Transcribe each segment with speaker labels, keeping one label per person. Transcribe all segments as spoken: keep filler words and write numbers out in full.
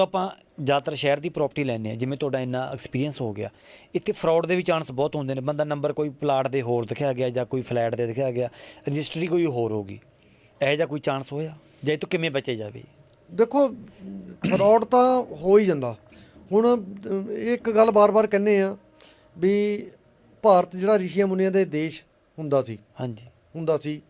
Speaker 1: ਆਪਾਂ ਜ਼ਿਆਦਾਤਰ ਸ਼ਹਿਰ ਦੀ ਪ੍ਰੋਪਰਟੀ ਲੈਂਦੇ ਹਾਂ, ਜਿਵੇਂ ਤੁਹਾਡਾ ਇੰਨਾ ਐਕਸਪੀਰੀਅੰਸ ਹੋ ਗਿਆ, ਇੱਥੇ ਫਰਾਡ ਦੇ ਵੀ ਚਾਂਸ ਬਹੁਤ ਹੁੰਦੇ ਨੇ। ਬੰਦਾ ਨੰਬਰ ਕੋਈ ਪਲਾਟ ਦੇ ਹੋਰ ਦਿਖਾਇਆ ਗਿਆ ਜਾਂ ਕੋਈ ਫਲੈਟ ਦੇ ਦਿਖਾਇਆ ਗਿਆ, ਰਜਿਸਟਰੀ ਕੋਈ ਹੋਰ ਹੋਗੀ, ਇਹੋ ਜਿਹਾ ਕੋਈ ਚਾਂਸ ਹੋਇਆ ਜਾਂ ਇਹ ਤੋਂ ਕਿਵੇਂ ਬਚੇ ਜਾਵੇ?
Speaker 2: ਦੇਖੋ ਫਰਾਡ ਤਾਂ ਹੋ ਹੀ ਜਾਂਦਾ। ਹੁਣ ਇੱਕ ਗੱਲ ਬਾਰ-ਬਾਰ ਕਹਿੰਦੇ ਆ ਵੀ ਭਾਰਤ ਜਿਹੜਾ ਰਿਸ਼ੀਆਂ ਮੁਨੀਆਂ ਦੇ ਦੇਸ਼ ਹੁੰਦਾ ਸੀ,
Speaker 1: ਹਾਂਜੀ
Speaker 2: ਹੁੰਦਾ ਸੀ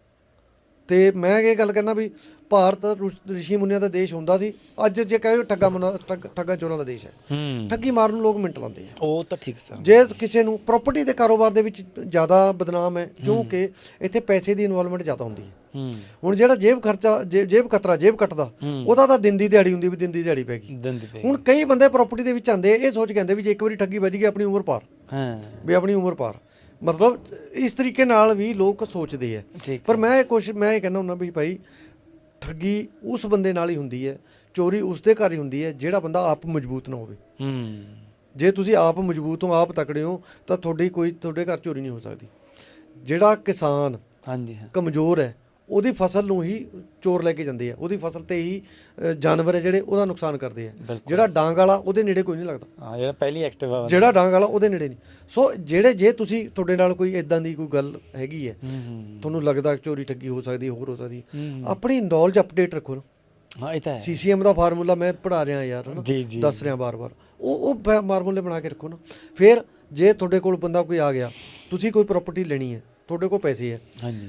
Speaker 2: ਤੇ ਮੈਂ ਇਹ ਗੱਲ ਕਹਿੰਦਾ ਵੀ ਭਾਰਤ ਰਿਸ਼ੀ ਮੁਨੀਆਂ ਦਾ ਦੇਸ਼ ਹੁੰਦਾ ਸੀ। ਅੱਜ ਜੇ ਕਹੇ ਠੱਗਾ ਮੁਨਾ ਠੱਗਾ ਚੋਰਾਂ ਦਾ ਦੇਸ਼ ਹੈ।
Speaker 1: ਹੂੰ
Speaker 2: ਠੱਗੀ ਮਾਰਨ ਨੂੰ ਲੋਕ ਮਿੰਟ ਲਾਉਂਦੇ ਆ।
Speaker 1: ਉਹ ਤਾਂ ਠੀਕ ਸਰ।
Speaker 2: ਜੇ ਕਿਸੇ ਨੂੰ ਪ੍ਰਾਪਰਟੀ ਦੇ ਕਾਰੋਬਾਰ ਦੇ ਵਿੱਚ ਜ਼ਿਆਦਾ ਬਦਨਾਮ ਹੈ, ਕਿਉਂਕਿ ਇੱਥੇ ਪੈਸੇ ਦੀ ਇਨਵੋਲਵਮੈਂਟ ਜ਼ਿਆਦਾ ਹੁੰਦੀ ਹੈ।
Speaker 1: ਹੂੰ
Speaker 2: ਹੁਣ ਜਿਹੜਾ ਜੇਬ ਖਰਚਾ ਜੇਬ ਕਤਰਾ ਜੇਬ ਕੱਟਦਾ, ਉਹਦਾ ਤਾਂ ਦਿਨ ਦੀ ਦਿਹਾੜੀ ਹੁੰਦੀ ਵੀ ਦਿਨ ਦੀ ਦਿਹਾੜੀ ਪੈ ਗਈ। ਹੁਣ ਕਈ ਬੰਦੇ ਪ੍ਰਾਪਰਟੀ ਦੇ ਵਿੱਚ ਆਉਂਦੇ ਇਹ ਸੋਚ ਕਹਿੰਦੇ ਵੀ ਜੇ ਇੱਕ ਵਾਰੀ ਠੱਗੀ ਵੱਜ ਗਈ ਆਪਣੀ ਉਮਰ ਪਾਰ,
Speaker 1: ਹਾਂ
Speaker 2: ਵੀ ਆਪਣੀ ਉਮਰ ਪਾਰ, ਮਤਲਬ ਇਸ ਤਰੀਕੇ ਨਾਲ ਵੀ ਲੋਕ ਸੋਚਦੇ ਆ। ਪਰ ਮੈਂ ਕੁਛ ਮੈਂ ਇਹ ਕਹਿੰਦਾ ਹੁੰਦਾ ਵੀ ਭਾਈ ਠੱਗੀ ਉਸ ਬੰਦੇ ਨਾਲ ਹੀ ਹੁੰਦੀ ਹੈ, ਚੋਰੀ ਉਸ ਦੇ ਘਰ ਹੀ ਹੁੰਦੀ ਹੈ ਜਿਹੜਾ ਬੰਦਾ ਆਪ ਮਜ਼ਬੂਤ ਨਾ ਹੋਵੇ।
Speaker 1: ਹੂੰ
Speaker 2: ਜੇ ਤੁਸੀਂ ਆਪ ਮਜ਼ਬੂਤ ਹੋ, ਆਪ ਤਕੜੇ ਹੋ, ਤਾਂ ਤੁਹਾਡੀ ਕੋਈ ਤੁਹਾਡੇ ਘਰ ਚੋਰੀ ਨਹੀਂ ਹੋ ਸਕਦੀ। ਜਿਹੜਾ ਕਿਸਾਨ
Speaker 1: ਹਾਂਜੀ ਹਾਂ
Speaker 2: ਕਮਜ਼ੋਰ ਹੈ ਉਹਦੀ ਫਸਲ ਨੂੰ ਹੀ ਚੋਰ ਲੈ ਕੇ ਜਾਂਦੇ ਆ, ਉਹਦੀ ਫਸਲ ਤੇ ਹੀ ਜਾਨਵਰ ਹੈ ਜਿਹੜੇ ਉਹਦਾ ਨੁਕਸਾਨ ਕਰਦੇ ਆ। ਜਿਹੜਾ ਡਾਂਗ ਵਾਲਾ ਉਹਦੇ ਨੇੜੇ ਕੋਈ ਨਹੀਂ ਲੱਗਦਾ।
Speaker 1: ਹਾਂ ਜਿਹੜਾ ਪਹਿਲੀ ਐਕਟਿਵ ਆ,
Speaker 2: ਜਿਹੜਾ ਡਾਂਗ ਵਾਲਾ ਉਹਦੇ ਨੇੜੇ ਨਹੀਂ। ਸੋ ਜਿਹੜੇ ਜੇ ਤੁਸੀਂ ਤੁਹਾਡੇ ਨਾਲ ਕੋਈ ਇਦਾਂ ਦੀ ਕੋਈ ਗੱਲ ਹੈਗੀ ਹੈ, ਤੁਹਾਨੂੰ ਲੱਗਦਾ ਚੋਰੀ ਠੱਗੀ ਹੋ ਸਕਦੀ, ਹੋਰ ਹੋ ਸਕਦੀ, ਆਪਣੀ ਨੌਲੇਜ ਅਪਡੇਟ ਰੱਖੋ ਨਾ।
Speaker 1: ਹਾਂ ਇਹ ਤਾਂ ਹੈ।
Speaker 2: ਸੀ ਸੀ ਐਮ ਦਾ ਫਾਰਮੂਲਾ ਮੈਂ ਪੜ੍ਹਾ ਰਿਹਾ ਯਾਰ, ਹੈ ਨਾ,
Speaker 1: ਜੀ ਜੀ
Speaker 2: ਦੱਸ ਰਿਹਾ ਬਾਰ-ਬਾਰ, ਉਹ ਉਹ ਫਾਰਮੂਲੇ ਬਣਾ ਕੇ ਰੱਖੋ ਨਾ। ਫਿਰ ਜੇ ਤੁਹਾਡੇ ਕੋਲ ਬੰਦਾ ਕੋਈ ਆ ਗਿਆ, ਤੁਸੀਂ ਕੋਈ ਪ੍ਰਾਪਰਟੀ ਲੈਣੀ ਹੈ, ਤੁਹਾਡੇ ਕੋਲ ਪੈਸੇ ਹੈ,
Speaker 1: ਹਾਂਜੀ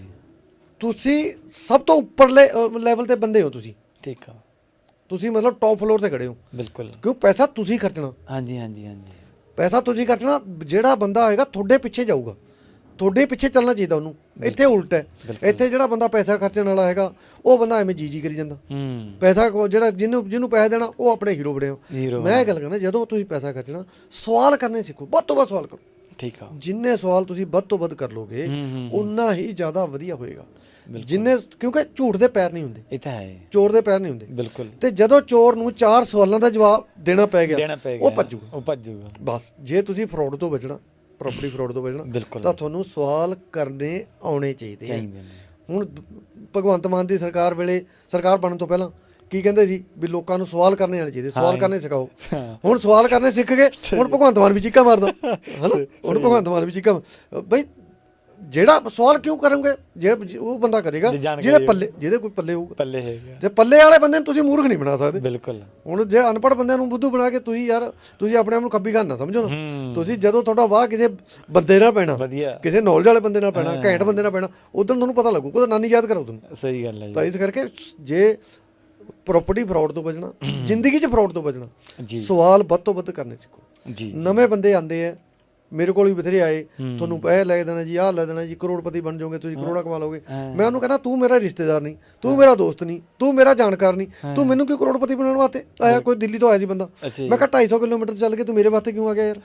Speaker 2: ਤੁਸੀਂ ਸਭ ਤੋਂ ਉੱਪਰਲੇ ਲੈਵਲ ਤੇ ਬੰਦੇ ਹੋ, ਤੁਸੀਂ
Speaker 1: ਠੀਕ ਆ,
Speaker 2: ਤੁਸੀਂ ਮਤਲਬ ਟੌਪ ਫਲੋਰ ਤੇ ਖੜੇ ਹੋ।
Speaker 1: ਬਿਲਕੁਲ
Speaker 2: ਕਿਉਂ? ਪੈਸਾ ਤੁਸੀਂ ਖਰਚਣਾ।
Speaker 1: ਹਾਂਜੀ ਹਾਂਜੀ ਹਾਂਜੀ
Speaker 2: ਪੈਸਾ ਤੁਸੀਂ ਖਰਚਣਾ। ਜਿਹੜਾ ਬੰਦਾ ਹੋਏਗਾ ਤੁਹਾਡੇ ਪਿੱਛੇ ਜਾਊਗਾ, ਤੁਹਾਡੇ ਪਿੱਛੇ ਚੱਲਣਾ ਚਾਹੀਦਾ ਉਹਨੂੰ। ਇੱਥੇ ਉਲਟ ਹੈ, ਇੱਥੇ ਜਿਹੜਾ ਬੰਦਾ ਪੈਸਾ ਖਰਚਣ ਵਾਲਾ ਹੈਗਾ ਉਹ ਬੰਦਾ ਐਵੇਂ ਜੀ ਜੀ ਕਰੀ ਜਾਂਦਾ।
Speaker 1: ਹੂੰ
Speaker 2: ਪੈਸਾ ਜਿਹੜਾ ਜਿਹਨੂੰ ਜਿਹਨੂੰ ਪੈਸਾ ਦੇਣਾ ਉਹ ਆਪਣੇ ਹੀਰੋ ਬਣੇ ਹੋ। ਮੈਂ ਇਹ ਗੱਲ ਕਰਨਾ, ਜਦੋਂ ਤੁਸੀਂ ਪੈਸਾ ਖਰਚਣਾ ਸਵਾਲ ਕਰਨੇ ਸਿੱਖੋ, ਵੱਧ ਤੋਂ ਵੱਧ ਸਵਾਲ ਕਰੋ।
Speaker 1: ਠੀਕ ਆ,
Speaker 2: ਜਿੰਨੇ ਸਵਾਲ ਤੁਸੀਂ ਵੱਧ ਤੋਂ ਵੱਧ ਕਰ ਲੋਗੇ ਉਨਾ ਹੀ ਜ਼ਿਆਦਾ ਵਧੀਆ ਹੋਏਗਾ। ਜਿੰਨੇ ਕਿਉਂਕਿ ਝੂਠ ਦੇ ਪੈਰ ਨਹੀਂ ਹੁੰਦੇ,
Speaker 1: ਇਹ ਤਾਂ ਹੈ,
Speaker 2: ਚੋਰ ਦੇ ਪੈਰ ਨਹੀਂ ਹੁੰਦੇ।
Speaker 1: ਬਿਲਕੁਲ।
Speaker 2: ਤੇ ਜਦੋਂ ਚੋਰ ਨੂੰ ਚਾਰ ਸਵਾਲਾਂ ਦਾ ਜਵਾਬ ਦੇਣਾ ਪੈ ਗਿਆ ਉਹ ਭੱਜੂਗਾ,
Speaker 1: ਉਹ ਭੱਜੂਗਾ।
Speaker 2: ਬਸ ਜੇ ਤੁਸੀਂ ਫਰਾਡ ਤੋਂ ਬਚਣਾ, ਪ੍ਰਾਪਰਟੀ ਫਰਾਡ ਤੋਂ ਬਚਣਾ, ਤਾਂ ਤੁਹਾਨੂੰ ਸਵਾਲ ਕਰਨੇ ਆਉਣੇ ਚਾਹੀਦੇ ਆ। ਹੁਣ ਭਗਵੰਤ ਮਾਨ ਦੀ ਸਰਕਾਰ ਵੇਲੇ, ਸਰਕਾਰ ਬਣਨ ਤੋਂ ਪਹਿਲਾਂ ਕੀ ਕਹਿੰਦੇ ਸੀ ਵੀ ਲੋਕਾਂ ਨੂੰ ਸਵਾਲ ਕਰਨੇ ਆਉਣੇ ਚਾਹੀਦੇ, ਸਵਾਲ ਕਰਨੇ ਸਿਖਾਓ। ਹੁਣ ਸਵਾਲ ਕਰਨੇ ਸਿੱਖ ਗਏ, ਹੁਣ ਭਗਵੰਤ ਮਾਨ ਵੀ ਚੀਕਾਂ ਮਾਰਦਾ, ਹਨਾ। ਹੁਣ ਭਗਵੰਤ ਮਾਨ ਵੀ ਚੀਕਾਂ, ਬਈ ਜਿਹੜਾ ਸਵਾਲ ਕਿਉਂ ਕਰੋਗੇ? ਜੇ ਉਹ ਬੰਦਾ ਕਰੇਗਾ ਜਿਹਦੇ ਪੱਲੇ, ਜਿਹਦੇ ਕੋਈ ਪੱਲੇ ਹੋਊਗਾ, ਪੱਲੇ ਹੈਗਾ। ਤੇ ਪੱਲੇ ਵਾਲੇ ਬੰਦੇ ਨੂੰ ਤੁਸੀਂ ਮੂਰਖ ਨਹੀਂ ਬਣਾ ਸਕਦੇ।
Speaker 1: ਬਿਲਕੁਲ।
Speaker 2: ਹੁਣ ਜੇ ਅਨਪੜ੍ਹ ਬੰਦਿਆਂ ਨੂੰ ਬੁੱਧੂ ਬਣਾ ਕੇ ਤੁਸੀਂ ਯਾਰ, ਤੁਸੀਂ ਆਪਣੇ ਆਪ ਨੂੰ ਖੱਬੀ ਖਾਨਾ ਸਮਝੋ ਨਾ। ਤੁਸੀਂ ਜਦੋਂ ਤੁਹਾਡਾ ਵਾਹ ਕਿਸੇ ਬੰਦੇ ਨਾਲ ਪੈਣਾ, ਕਿਸੇ ਨੌਲੇਜ ਵਾਲੇ ਬੰਦੇ ਨਾਲ ਪੈਣਾ, ਘੈਂਟ ਬੰਦੇ ਨਾਲ ਪੈਣਾ, ਉਦੋਂ ਤੁਹਾਨੂੰ ਪਤਾ ਲੱਗੂ, ਉਹਦਾ ਨਾਨੀ ਯਾਦ ਕਰਾਓ ਤੁਹਾਨੂੰ।
Speaker 1: ਸਹੀ ਗੱਲ ਹੈ।
Speaker 2: ਤਾਂ ਇਸ ਕਰਕੇ ਜੇ ਪ੍ਰਾਪਰਟੀ ਫਰਾਡ ਤੋਂ ਬਚਣਾ, ਜ਼ਿੰਦਗੀ 'ਚ ਫਰਾਡ ਤੋਂ ਬਚਣਾ, ਸਵਾਲ ਵੱਧ ਤੋਂ ਵੱਧ ਕਰਨੇ ਸਿੱਖੋ। ਨਵੇਂ ਬੰਦੇ ਆਉਂਦੇ ਆ, ਮੇਰੇ ਕੋਲ ਵੀ ਬਥੇਰੇ ਆਏ, ਤੁਹਾਨੂੰ ਇਹ ਲੈ ਦੇਣਾ ਜੀ, ਆਹ ਲੈ ਦੇਣਾ ਜੀ, ਕਰੋੜਪਤੀ ਬਣ ਜਾਓਗੇ, ਤੁਸੀਂ ਕਰੋੜਾਂ ਕਮਾ ਲਓਗੇ। ਮੈਂ ਉਹਨੂੰ ਕਹਿੰਦਾ ਤੂੰ ਮੇਰਾ ਰਿਸ਼ਤੇਦਾਰ ਨਹੀਂ, ਤੂੰ ਮੇਰਾ ਦੋਸਤ ਨਹੀਂ, ਤੂੰ ਮੇਰਾ ਜਾਣਕਾਰ ਨਹੀਂ, ਤੂੰ ਮੈਨੂੰ ਕਿਉਂ ਕਰੋੜਪਤੀ ਬਣਾਉਣ ਵਾਸਤੇ ਆਇਆ? ਕੋਈ ਦਿੱਲੀ ਤੋਂ ਆਇਆ ਸੀ ਬੰਦਾ, ਮੈਂ ਕਿਹਾ ਢਾਈ ਸੌ ਕਿਲੋਮੀਟਰ ਚੱਲ ਕੇ ਤੂੰ ਮੇਰੇ ਵਾਸਤੇ ਕਿਉਂ ਆ ਗਿਆ ਯਾਰ?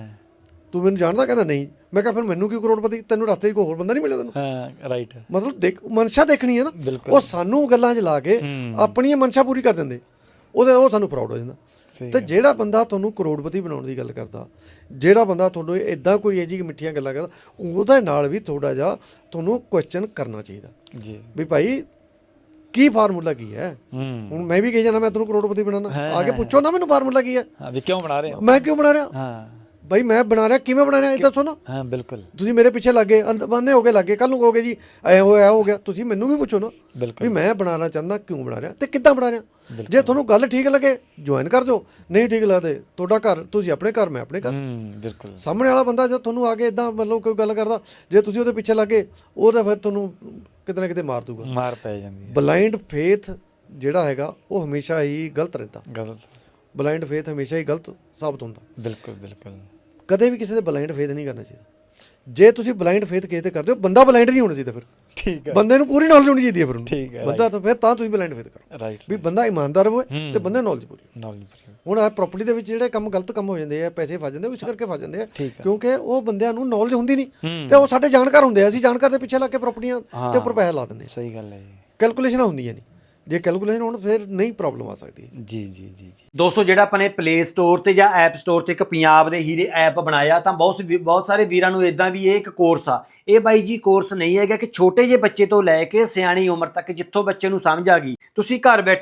Speaker 2: ਤੂੰ ਮੈਨੂੰ ਜਾਣਦਾ? ਕਹਿੰਦਾ ਨਹੀਂ। ਮੈਂ ਕਿਹਾ ਫਿਰ ਮੈਨੂੰ ਕਿਉਂ ਕਰੋੜਪਤੀ? ਤੈਨੂੰ ਰਸਤੇ 'ਚ ਕੋਈ ਹੋਰ ਬੰਦਾ ਨਹੀਂ ਮਿਲਿਆ ਤੈਨੂੰ?
Speaker 1: ਹਾਂ ਰਾਈਟ। ਮਤਲਬ
Speaker 2: ਦੇਖ, ਮਨਸ਼ਾ ਦੇਖਣੀ ਹੈ ਨਾ। ਉਹ ਸਾਨੂੰ ਗੱਲਾਂ 'ਚ ਲਾ ਕੇ ਆਪਣੀ ਮਨਸ਼ਾ ਪੂਰੀ ਕਰ ਦਿੰਦੇ, ਉਹਦੇ ਉਹ ਸਾਨੂੰ ਫਰਾਡ ਹੋ ਜਾਂਦਾ। ਤੇ ਜਿਹੜਾ ਬੰਦਾ ਤੁਹਾਨੂੰ ਕਰੋੜਪਤੀ ਬਣਾਉਣ ਦੀ ਗੱਲ ਕਰਦਾ, ਜਿਹੜਾ ਬੰਦਾ ਤੁਹਾਨੂੰ ਇੱਦਾਂ ਕੋਈ ਇਹ ਜਿਹੀ ਮਿੱਠੀਆਂ ਗੱਲਾਂ ਕਰਦਾ, ਉਹਦੇ ਨਾਲ ਵੀ ਥੋੜ੍ਹਾ ਜਿਹਾ ਤੁਹਾਨੂੰ ਕੁਐਸਚਨ ਕਰਨਾ ਚਾਹੀਦਾ ਜੀ ਵੀ ਭਾਈ ਕੀ ਫਾਰਮੂਲਾ ਕੀ ਹੈ। ਹੁਣ ਮੈਂ ਵੀ ਕਹੀ ਜਾਣਾ ਮੈਂ ਤੁਹਾਨੂੰ ਕਰੋੜਪਤੀ ਬਣਾਉਣਾ, ਆ ਕੇ ਪੁੱਛੋ ਨਾ ਮੈਨੂੰ ਫਾਰਮੂਲਾ ਕੀ ਹੈ, ਕਿਉਂ ਬਣਾ ਰਿਹਾ, ਮੈਂ ਕਿਉਂ ਬਣਾ ਰਿਹਾ, ਭਾਈ ਮੈਂ ਬਣਾ ਰਿਹਾ, ਕਿਵੇਂ ਬਣਾ ਰਿਹਾ, ਇਹ ਦੱਸੋ ਨਾ। ਹਾਂ ਬਿਲਕੁਲ। ਤੁਸੀਂ ਮੇਰੇ ਪਿੱਛੇ ਲੱਗੇ, ਅੰਨੇ ਹੋ ਕੇ ਲੱਗੇ, ਕੱਲ ਨੂੰ ਕਹੋਗੇ ਜੀ ਐ ਹੋਇਆ ਹੋ ਗਿਆ, ਤੁਸੀਂ ਮੈਨੂੰ ਵੀ ਪੁੱਛੋ ਨਾ ਵੀ ਮੈਂ ਬਣਾਉਣਾ ਚਾਹੁੰਦਾ, ਕਿਉਂ ਬਣਾ ਰਿਹਾ ਤੇ ਕਿੱਦਾਂ ਬਣਾ ਰਿਹਾ। ਜੇ ਤੁਹਾਨੂੰ ਗੱਲ ਠੀਕ ਲੱਗੇ ਜੁਆਇਨ ਕਰ ਦਿਓ, ਨਹੀਂ ਠੀਕ ਲੱਗਦੇ ਤੁਹਾਡਾ ਘਰ, ਤੁਸੀਂ ਆਪਣੇ ਘਰ, ਮੈਂ ਆਪਣੇ ਘਰ। ਬਿਲਕੁਲ। ਸਾਹਮਣੇ ਵਾਲਾ ਬੰਦਾ ਜਦ ਤੁਹਾਨੂੰ ਆ ਕੇ ਇੱਦਾਂ ਮਤਲਬ ਕੋਈ ਗੱਲ ਕਰਦਾ, ਜੇ ਤੁਸੀਂ ਉਹਦੇ ਪਿੱਛੇ ਲੱਗੇ, ਉਹ ਤਾਂ ਫਿਰ ਤੁਹਾਨੂੰ ਕਿਤੇ ਨਾ ਕਿਤੇ ਮਾਰ ਦੂਗਾ, ਮਾਰ ਪੈ ਜਾਂਦੀ ਹੈ। ਬਲਾਈਂਡ ਫੇਥ ਜਿਹੜਾ ਹੈਗਾ ਉਹ ਹਮੇਸ਼ਾ ਹੀ ਗਲਤ ਰਹਿੰਦਾ। ਗਲਤ ਬਲਾਈਂਡ ਫੇਥ ਹਮੇਸ਼ਾ ਹੀ ਗਲਤ ਸਾਬਤ ਹੁੰਦਾ। ਬਿਲਕੁਲ ਬਿਲਕੁਲ। ਕਦੇ ਵੀ ਕਿਸੇ ਦੇ ਬਲਾਈਂਡ ਫੇਥ ਨਹੀਂ ਕਰਨਾ ਚਾਹੀਦਾ। ਜੇ ਤੁਸੀਂ ਬਲਾਈਂਡ ਫੇਥ ਕਿਸੇ ਤੇ ਕਰਦੇ ਹੋ, ਬੰਦਾ ਬਲਾਈਂਡ ਨਹੀਂ ਹੋਣਾ ਚਾਹੀਦਾ। ਫਿਰ ਠੀਕ ਹੈ, ਬੰਦੇ ਨੂੰ ਪੂਰੀ ਨੌਲੇਜ ਹੋਣੀ ਚਾਹੀਦੀ ਹੈ। ਫਿਰ ਠੀਕ ਹੈ ਬੰਦਾ, ਤਾਂ ਫਿਰ ਤਾਂ ਤੁਸੀਂ ਬਲਾਈਂਡ ਫੇਥ ਕਰੋ। ਰਾਈਟ। ਵੀ ਬੰਦਾ ਇਮਾਨਦਾਰ ਹੋਵੇ ਤੇ ਬੰਦੇ ਨੌਲੇਜ ਪੂਰੀ ਨੌਲੇਜ ਪੂਰੀ। ਹੁਣ ਆ ਪ੍ਰਾਪਰਟੀ ਦੇ ਵਿੱਚ ਜਿਹੜੇ ਕੰਮ ਗਲਤ ਕੰਮ ਹੋ ਜਾਂਦੇ ਆ, ਪੈਸੇ ਫਸ ਜਾਂਦੇ, ਉਸ ਕਰਕੇ ਫਸ ਜਾਂਦੇ ਆ ਕਿਉਂਕਿ ਉਹ ਬੰਦਿਆਂ ਨੂੰ ਨੌਲੇਜ ਹੁੰਦੀ ਨਹੀਂ ਤੇ ਉਹ ਸਾਡੇ ਜਾਣਕਾਰ ਹੁੰਦੇ ਆ। ਅਸੀਂ ਜਾਣਕਾਰ ਦੇ ਪਿੱਛੇ ਲੱਗ ਕੇ ਪ੍ਰਾਪਰਟੀਆਂ ਤੇ ਉੱਪਰ ਪੈਸੇ ਲਾ ਦਿੰਦੇ। ਸਹੀ ਗੱਲ ਹੈ। ਕੈਲਕੂਲੇਸ਼ਨਾਂ ਹੁੰਦੀਆਂ ਨਹੀਂ, ਜੇ ਕੈਲਕੂਲੇਸ਼ਨ ਹੋਣ ਫਿਰ ਨਹੀਂ ਪ੍ਰੋਬਲਮ ਆ ਸਕਦੀ। ਜੀ ਜੀ ਜੀ ਜੀ
Speaker 1: ਦੋਸਤੋ, ਜਿਹੜਾ ਆਪਾਂ ਨੇ ਪਲੇ ਸਟੋਰ ਤੇ ਜਾਂ ਐਪ ਸਟੋਰ ਤੇ ਇੱਕ ਪੰਜਾਬ ਦੇ ਹੀਰੇ ਐਪ ਬਣਾਇਆ, ਤਾਂ ਬਹੁਤ ਬਹੁਤ ਸਾਰੇ ਵੀਰਾਂ ਨੂੰ ਇਦਾਂ ਵੀ ਇਹ ਇੱਕ ਕੋਰਸ ਆ। ਇਹ ਬਾਈ ਜੀ ਕੋਰਸ ਨਹੀਂ ਹੈਗਾ ਕਿ ਛੋਟੇ ਜਿਹੇ ਬੱਚੇ ਤੋਂ ਲੈ ਕੇ ਸਿਆਣੀ ਉਮਰ ਤੱਕ, ਜਿੱਥੋਂ ਬੱਚੇ ਨੂੰ ਸਮਝ ਆ ਗਈ, ਤੁਸੀਂ ਘਰ ਬੈਠੇ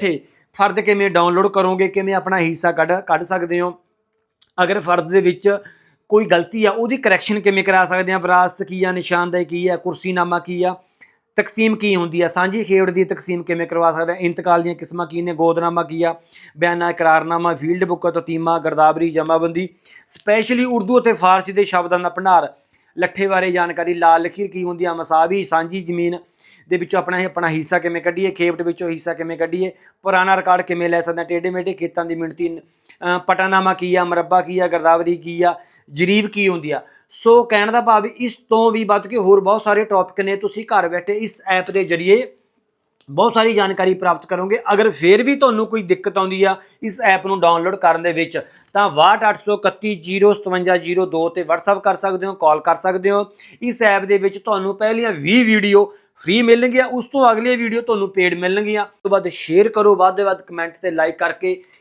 Speaker 1: ਫਰਦ ਕਿਵੇਂ ਡਾਊਨਲੋਡ ਕਰੋਗੇ, ਕਿਵੇਂ ਆਪਣਾ ਹਿੱਸਾ ਕੱਢ ਕੱਢ ਸਕਦੇ ਹੋ, ਅਗਰ ਫਰਦ ਦੇ ਵਿੱਚ ਕੋਈ ਗਲਤੀ ਆ ਉਹਦੀ ਕਰੈਕਸ਼ਨ ਕਿਵੇਂ ਕਰਾ ਸਕਦੇ ਆ, ਵਿਰਾਸਤ ਕੀ ਆ, ਨਿਸ਼ਾਨਦੇਹੀ ਕੀ ਆ, ਕੁਰਸੀਨਾਮਾ ਕੀ ਆ, ਤਕਸੀਮ ਕੀ ਹੁੰਦੀ ਆ, ਸਾਂਝੀ ਖੇਡ ਦੀ ਤਕਸੀਮ ਕਿਵੇਂ ਕਰਵਾ ਸਕਦੇ ਆ, ਇੰਤਕਾਲ ਦੀਆਂ ਕਿਸਮਾਂ ਕੀ ਨੇ, ਗੋਦਨਾਮਾ ਕੀ ਆ, ਬਿਆਨਾ, ਇਕਰਾਰਨਾਮਾ, ਫੀਲਡ ਬੁੱਕ, ਤਤੀਮਾ, ਗਰਦਾਵਰੀ, ਜਮਾਬੰਦੀ, ਸਪੈਸ਼ਲੀ ਉਰਦੂ ਅਤੇ ਫਾਰਸੀ ਦੇ ਸ਼ਬਦਾਂ ਦਾ ਭੰਡਾਰ, ਲੱਠੇ ਬਾਰੇ ਜਾਣਕਾਰੀ, ਲਾਲ ਲਕੀਰ ਕੀ ਹੁੰਦੀ ਆ, ਮਸਾਵੀ, ਸਾਂਝੀ ਜ਼ਮੀਨ ਦੇ ਵਿੱਚੋਂ ਆਪਣਾ ਆਪਣਾ ਹਿੱਸਾ ਕਿਵੇਂ ਕੱਢੀਏ, ਖੇਪਟ ਵਿੱਚੋਂ ਹਿੱਸਾ ਕਿਵੇਂ ਕੱਢੀਏ, ਪੁਰਾਣਾ ਰਿਕਾਰਡ ਕਿਵੇਂ ਲੈ ਸਕਦੇ ਹਾਂ, ਟੇਢੇ ਮੇਢੇ ਖੇਤਾਂ ਦੀ ਮਿਣਤੀ, ਪਟਾਨਾਮਾ ਕੀ ਆ, ਮਰੱਬਾ ਕੀ ਆ, ਗਰਦਾਵਰੀ ਕੀ ਆ, ਜਰੀਬ ਕੀ ਹੁੰਦੀ ਆ। ਸੋ ਕਹਿਣ ਦਾ ਭਾਵ ਇਸ ਤੋਂ ਵੀ ਵੱਧ ਕੇ ਹੋਰ ਬਹੁਤ ਸਾਰੇ ਟੌਪਿਕ ਨੇ, ਤੁਸੀਂ ਘਰ ਬੈਠੇ ਇਸ ਐਪ ਦੇ ਜ਼ਰੀਏ ਬਹੁਤ ਸਾਰੀ ਜਾਣਕਾਰੀ ਪ੍ਰਾਪਤ ਕਰੋਗੇ। ਅਗਰ ਫਿਰ ਵੀ ਤੁਹਾਨੂੰ ਕੋਈ ਦਿੱਕਤ ਆਉਂਦੀ ਆ ਇਸ ਐਪ ਨੂੰ ਡਾਊਨਲੋਡ ਕਰਨ ਦੇ ਵਿੱਚ ਤਾਂ ਬਾਹਠ ਅੱਠ ਸੌ ਇਕੱਤੀ ਜ਼ੀਰੋ ਸਤਵੰਜਾ ਜ਼ੀਰੋ ਦੋ ਤੇ WhatsApp ਕਰ ਸਕਦੇ ਹੋ, ਕਾਲ ਕਰ ਸਕਦੇ ਹੋ। ਇਸ ਐਪ ਦੇ ਵਿੱਚ ਤੁਹਾਨੂੰ ਪਹਿਲੀਆਂ ਵੀਹ ਵੀਡੀਓ ਫ੍ਰੀ ਮਿਲਣਗੀਆਂ, ਉਸ ਤੋਂ ਅਗਲੀਆਂ ਵੀਡੀਓ ਤੁਹਾਨੂੰ ਪੇਡ ਮਿਲਣਗੀਆਂ। ਉਸ ਤੋਂ ਬਾਅਦ ਸ਼ੇਅਰ ਕਰੋ, ਵੱਧ ਤੋਂ ਵੱਧ ਕਮੈਂਟ ਤੇ ਲਾਈਕ ਕਰਕੇ